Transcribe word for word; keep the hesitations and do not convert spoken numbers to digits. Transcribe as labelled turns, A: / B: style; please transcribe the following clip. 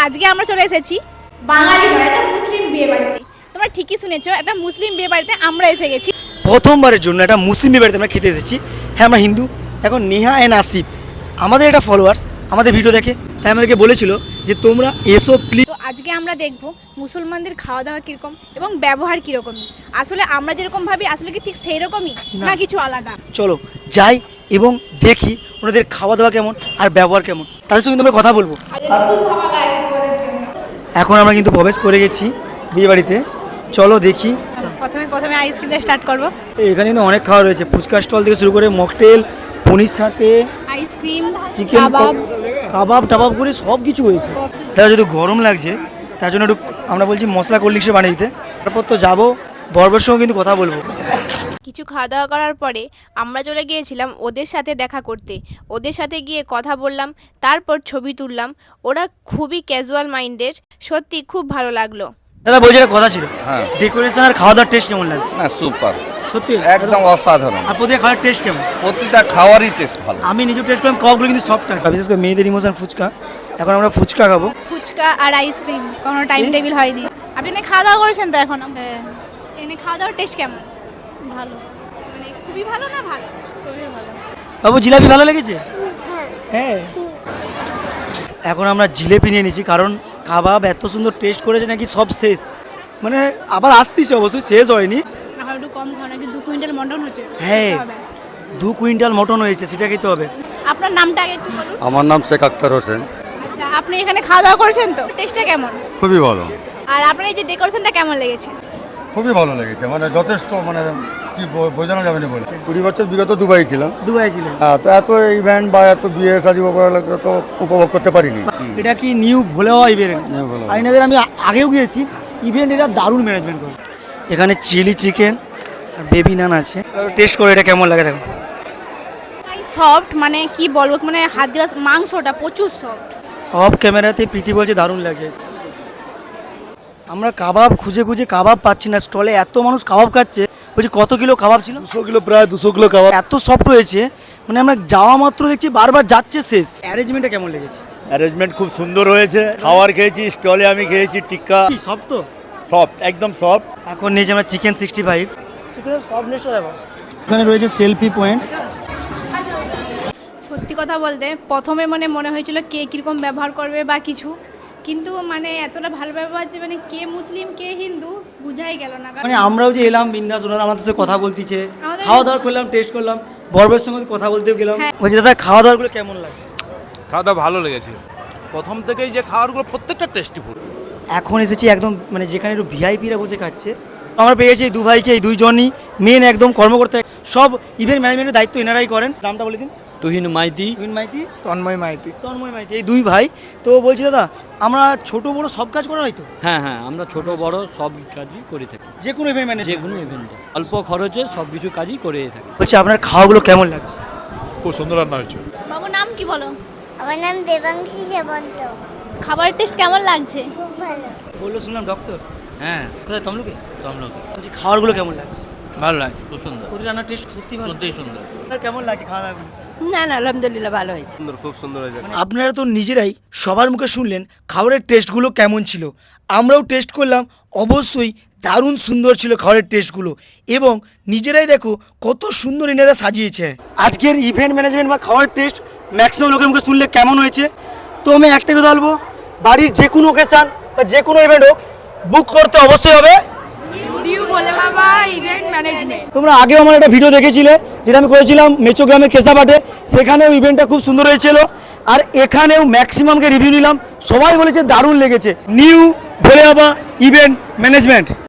A: আজকে আমরা চলে এসেছি বাঙালি নয় একটা মুসলিম বিয়ে বাড়িতে। তোমরা ঠিকই শুনেছো, একটা মুসলিম বিয়ে বাড়িতে আমরা এসে গেছি।
B: প্রথমবারের জন্য একটা মুসলিম বিয়ে বাড়িতে আমরা খেতে এসেছি। হ্যাঁ, আমরা হিন্দু। এখন নেহা অ্যান্ড আসিফ আমাদের একটা ফলোয়ার্স আমাদের ভিডিও দেখে, তাই আমাদেরকে বলেছিল যে তোমরা এসো প্লিজ।
A: তো আজকে আমরা দেখবো মুসলমানদের খাওয়া দাওয়া কীরকম এবং ব্যবহার কীরকম। আসলে আমরা যেরকম ভাবি আসলে কি ঠিক সেই রকমই না কিছু আলাদা?
B: চলো যাই এবং দেখি ওনাদের খাওয়া দাওয়া কেমন আর ব্যবহার কেমন, তাদের সঙ্গে আমরা কথা বলবো। এখন আমরা কিন্তু প্রবেশ করে গেছি বিয়ে বাড়িতে, চলো দেখি।
A: প্রথমে প্রথমে আইসক্রিম দিয়ে স্টার্ট করবো।
B: এখানে কিন্তু অনেক খাওয়া রয়েছে, ফুচকা স্টল থেকে শুরু করে মকটেল, পনির সাথে
A: আইসক্রিম,
B: চিকেন
A: কাবাব
B: কাবাব টাবাব করে সব কিছু হয়েছে। তারা যদি গরম লাগছে তার জন্য একটু আমরা বলছি মশলা কোল্ড ড্রিঙ্কসে বানিয়ে দিতে। তারপর তো যাবো বরবর সঙ্গে কিন্তু কথা বলবো।
A: কিছু খাওয়া দাওয়া করার পরে আমরা চলে গিয়েছিলাম ওদের সাথে দেখা করতে। ওদের সাথে গিয়ে কথা বললাম, তারপর ছবি তুললাম। ওরা খুবই ক্যাজুয়াল মাইন্ডের, সত্যি খুব ভালো লাগলো।
B: দাদা বলছি একটা কথা ছিল,
C: হ্যাঁ
B: ডেকোরেশন আর খাওয়া দাওয়ার টেস্ট কেমন লাগছে?
C: না সুপার,
B: সত্যি
C: একদম অসাধারণ।
B: আর প্রতিটা খাওয়ার টেস্ট কেমন?
C: প্রতিটা খাওয়ারই টেস্ট ভালো।
B: আমি নিজে টেস্ট করলাম, কাবাবগুলো কিন্তু সফট আছে, বিশেষ করে মেয়েদের ইমোশন ফুচকা। এখন আমরা ফুচকা খাবো।
A: ফুচকা আর আইসক্রিম, কোনো টাইম টেবিল হয়নি। আপনি এখানে খাওয়া দাওয়া করেছেন তো এখন? হ্যাঁ। এখানে খাওয়া দাওয়ার টেস্ট কেমন? ভালো, মানে খুবই ভালো না ভালো? খুবই ভালো।
B: বাবু জিলাপি ভালো লেগেছে? হ্যাঁ। এখন আমরা জিলেপি নিয়ে নিয়েছি, কারণ কাবাব এত সুন্দর টেস্ট করেছে নাকি সব শেষ, মানে আবার আসতেছে, অবশ্যই শেষ হয়নি।
A: এখন একটু কম খাও, নাকি দু কুইন্টাল মটন হচ্ছে।
B: হ্যাঁ,
A: খেতে হবে।
B: দু কুইন্টাল মটন হয়েছে, সেটা খেতে হবে।
A: আপনার নামটা আগে একটু বলুন।
D: আমার নাম শেখ আক্তার হোসেন।
A: আচ্ছা, আপনি এখানে খাওয়া দাওয়া করেছেন তো, টেস্টটা কেমন?
D: খুবই ভালো,
A: আর আপনার এই যে ডেকোরেশনটা কেমন লেগেছে?
D: খুবই ভালো লেগেছে, মানে যথেষ্ট, মানে কি ব- বোঝানো যাবে না বলে। কুড়ি বছর বিগত দুবাই ছিলাম,
B: দুবাই ছিলেন?
D: হ্যাঁ, তো এত ইভেন্ট বা এত বিয়ে শাদী তো উপভোগ করতে পারিনি।
B: এটা কি নিউ ভোলে হওয়া ইভেন্ট?
D: নিউ ভোলে।
B: আর এনাদের আমি আ- আগেও গিয়েছি ইভেন্ট, এটা দারুণ ম্যানেজমেন্ট করে। এখানে চিলি চিকেন আর বেবি নান আছে, টেস্ট করে এটা কেমন লাগে দেখো।
A: সফট, মানে কি বলবো, মানে হাত দেওয়া মাংসটা প্রচুর সফট।
B: অফ ক্যামেরাতে প্রীতি বলছে দারুণ লাগছে। আমরা কাবাব খুঁজে খুঁজে কাবাব পাচ্ছি না, স্টলে এত মানুষ কাবাব খাচ্ছে। বলছি কত কিলো কাবাব ছিল?
E: দুশো কিলো, প্রায় দুশো কিলো কাবাব।
B: এত সফট হয়েছে, মানে আমরা যাওয়া মাত্র দেখছি বারবার যাচ্ছে শেষ। অ্যারেঞ্জমেন্টটা কেমন লেগেছে?
E: অ্যারেঞ্জমেন্ট খুব সুন্দর হয়েছে। খাবার খেয়েছি, স্টলে আমি খেয়েছি টিক্কা,
B: কি সব তো
E: সফট, একদম সফট।
B: এখন নিয়েছি আমরা চিকেন সিক্সটি ফাইভ। চিকেনের সফটনেসটা দেখো। এখানে রয়েছে সেলফি পয়েন্ট।
A: সত্যি কথা বলতে প্রথমে মানে মনে হয়েছিল কে কীরকম ব্যবহার করবে বা কিছু, কিন্তু মানে এতটা ভালো ব্যবহার যে মানে কে মুসলিম কে হিন্দু বুঝাই গেল না।
B: মানে আমরাও যে এলাম বিন্দাস, ওনারা আমাদের সাথে কথা বলতেছে,
A: আমাদের-
B: খাওয়া দাওয়া করলাম, টেস্ট করলাম, বরবের সঙ্গে কথা বলতেও গেলাম।
A: হ্যাঁ।
B: বলছি দাদা খাওয়া দাওয়াগুলো কেমন লাগছে?
F: খাওয়া দাওয়া ভালো লেগেছে। প্রথম থেকেই যে খাবারগুলো প্রত্যেকটা টেস্টিফুল।
B: এখন এসেছি একদম মানে যেখানে একটু ভিআইপিরা বসে খাচ্ছে। আমরা পেয়েছি এই দু ভাইকে, এই দুইজনই মেন একদম কর্মকর্তা, সব ইভেন্ট ম্যানেজমেন্টের দায়িত্ব এনারাই করেন। নামটা বলে দিন।
G: তুহিন মাইতি,
B: তুহিন মাইতি,
E: তন্ময় মাইতি।
B: তন্ময় মাইতি, এই দুই ভাই। তো বলছি দাদা, আমরা ছোট বড় সব কাজ করা হয়তো?
G: হ্যাঁ হ্যাঁ আমরা ছোট বড় সব কাজই করে থাকি,
B: যে কোনো ইভেন্ট
G: যে
B: ম্যানেজমেন্ট।
G: কোনো ইভেন্টে অল্প খরচে সব কিছু কাজই করে থাকি।
B: বলছি আপনার খাওয়াগুলো কেমন লাগছে?
F: খুব সুন্দর রান্না হয়েছে।
A: বাবু নাম কি বলো?
H: আমার নাম দেবাংশী সেবন্ত।
A: খাবারের টেস্ট কেমন লাগছে?
H: খুব ভালো।
B: বললো শুনলাম ডক্টর।
I: হ্যাঁ
B: কোথায় তমলুকে?
I: তমলুকে
B: বলছি খাবারগুলো কেমন লাগছে?
I: ভালো লাগছে, খুব সুন্দর,
B: প্রতি রান্নার টেস্ট সত্যি ভালো।
I: সত্যিই সুন্দর।
B: স্যার কেমন লাগছে খাওয়া দাওয়াগুলো?
H: না না আলহামদুলিল্লাহ ভালো হয়েছে।
E: সুন্দর, খুব সুন্দর হয়েছে।
B: মানে আপনারা তো নিজেরাই সবার মুখে শুনলেন খাবারের টেস্টগুলো কেমন ছিল। আমরাও টেস্ট করলাম, অবশ্যই দারুণ সুন্দর ছিল খাবারের টেস্টগুলো। এবং নিজেরাই দেখো কত সুন্দর এনারা সাজিয়েছে। আজকের ইভেন্ট ম্যানেজমেন্ট বা খাওয়ার টেস্ট ম্যাক্সিমাম লোকের মুখে শুনলে কেমন হয়েছে। তো আমি একটা কথা বলবো, বাড়ির যে কোনো ওকেশান বা যে কোনো ইভেন্ট হোক বুক করতে অবশ্যই হবে তোমরা আগেও আমার একটা ভিডিও দেখেছিলে, যেটা আমি করেছিলাম মেচো গ্রামের কেশাপাটে। সেখানেও ইভেন্টটা খুব সুন্দর হয়েছিল, আর এখানেও ম্যাক্সিমামকে রিভিউ নিলাম, সবাই বলেছে দারুণ লেগেছে। নিউ ভোলে বাবা ইভেন্ট ম্যানেজমেন্ট।